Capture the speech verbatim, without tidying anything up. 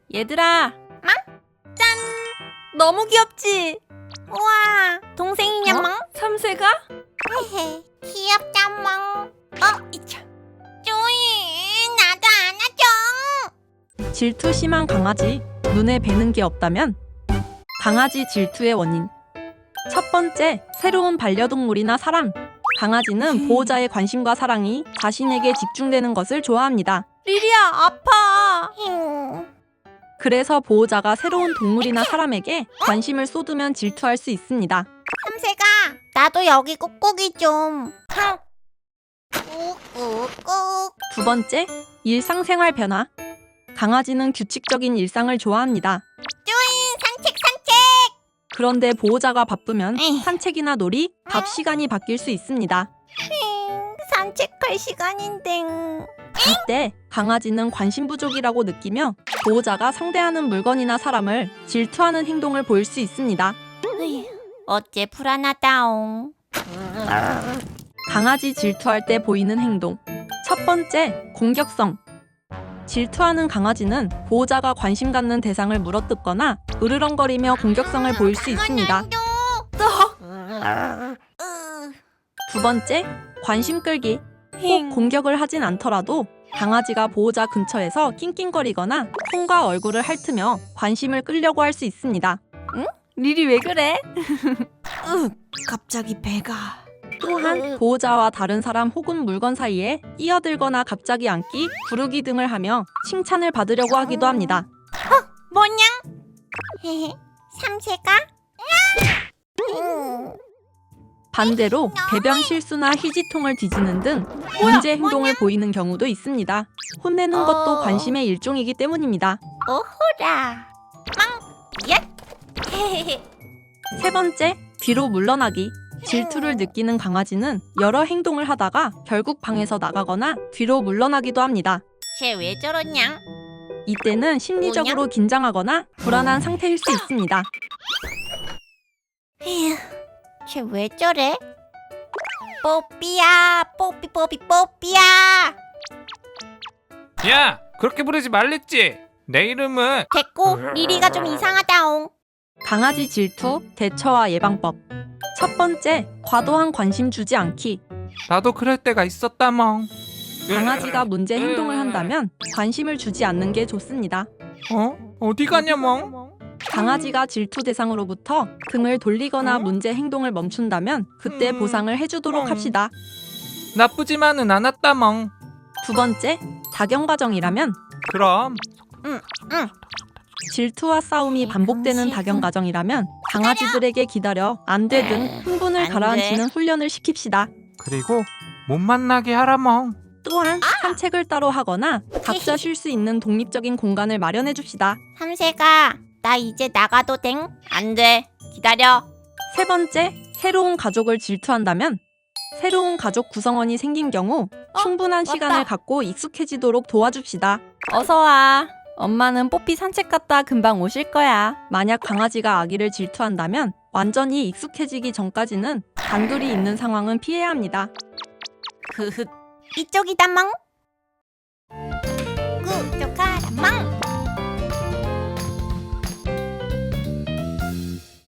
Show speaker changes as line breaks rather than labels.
얘들아,
짱!
너무 귀엽지?
우와, 동생이냐
어?
멍?
삼세가?
헤헤, 귀엽다 멍. 어, 이차. 조이, 나도 안아줘.
질투 심한 강아지. 눈에 뵈는 게 없다면? 강아지 질투의 원인. 첫 번째, 새로운 반려동물이나 사람. 강아지는 보호자의 관심과 사랑이 자신에게 집중되는 것을 좋아합니다. 리리야, 아파.
힝.
그래서 보호자가 새로운 동물이나 사람에게 관심을 쏟으면 질투할 수 있습니다.
삼세가, 나도 여기 꾹꾹이 좀. 꾹꾹꾹.
두 번째, 일상생활 변화. 강아지는 규칙적인 일상을 좋아합니다.
조이, 산책 산책.
그런데 보호자가 바쁘면
에이.
산책이나 놀이, 밥 시간이 바뀔 수 있습니다.
힝, 산책할 시간인데.
이때 강아지는 관심 부족이라고 느끼며 보호자가 상대하는 물건이나 사람을 질투하는 행동을 보일 수 있습니다.
어째 불안하다옹.
강아지 질투할 때 보이는 행동. 첫 번째, 공격성. 질투하는 강아지는 보호자가 관심 갖는 대상을 물어뜯거나 으르렁거리며 공격성을 보일 수 있습니다. 두 번째, 관심 끌기. 꼭 공격을 하진 않더라도 강아지가 보호자 근처에서 낑낑거리거나 손과 얼굴을 핥으며 관심을 끌려고 할 수 있습니다. 응? 리리 왜 그래?
으, 갑자기 배가.
또한 보호자와 다른 사람 혹은 물건 사이에 끼어들거나 갑자기 앉기, 부르기 등을 하며 칭찬을 받으려고 하기도 합니다.
뭐냐? 헤헤, 삼세가? 음.
반대로 배변 실수나 휴지통을 뒤지는 등 문제 행동을 보이는 경우도 있습니다. 혼내는 것도
어.
관심의 일종이기 때문입니다.
오호라. 망. 얏. 헤헤헤.
세 번째, 뒤로 물러나기. 질투를 느끼는 강아지는 여러 행동을 하다가 결국 방에서 나가거나 뒤로 물러나기도 합니다.
쟤 왜 저러냐?
이때는 심리적으로 긴장하거나 불안한 상태일 수 있습니다.
휴, 쟤 왜 저래? 뽀삐야, 뽀삐 뽀삐 뽀삐야.
야, 그렇게 부르지 말랬지? 내 이름은
됐고, 리리가 좀 이상하다옹.
강아지 질투, 대처와 예방법. 첫 번째, 과도한 관심 주지 않기.
나도 그럴 때가 있었다 멍.
강아지가 문제 행동을 한다면 관심을 주지 않는 게 좋습니다.
어? 어디 가냐 멍?
강아지가 질투 대상으로부터 등을 돌리거나 문제 행동을 멈춘다면 그때
음.
보상을 해주도록 합시다.
나쁘지만은 않았다 멍.
두 번째, 작용 과정이라면
그럼
질투와 싸움이 반복되는 작용 과정이라면 강아지들에게 기다려 안 돼 등 흥분을
안 돼.
가라앉히는 훈련을 시킵시다.
그리고 못 만나게 하라 멍.
또한 산책을 따로 하거나 각자 쉴 수 있는 독립적인 공간을 마련해 줍시다.
삼세가, 나 이제 나가도 댕? 안 돼. 기다려.
세 번째, 새로운 가족을 질투한다면 새로운 가족 구성원이 생긴 경우 충분한
맞다.
시간을 갖고 익숙해지도록 도와줍시다. 어서 와. 엄마는 뽀삐 산책 갔다 금방 오실 거야. 만약 강아지가 아기를 질투한다면 완전히 익숙해지기 전까지는 단둘이 있는 상황은 피해야 합니다.
흐흐. 이쪽이다 멍. 구독하라 멍.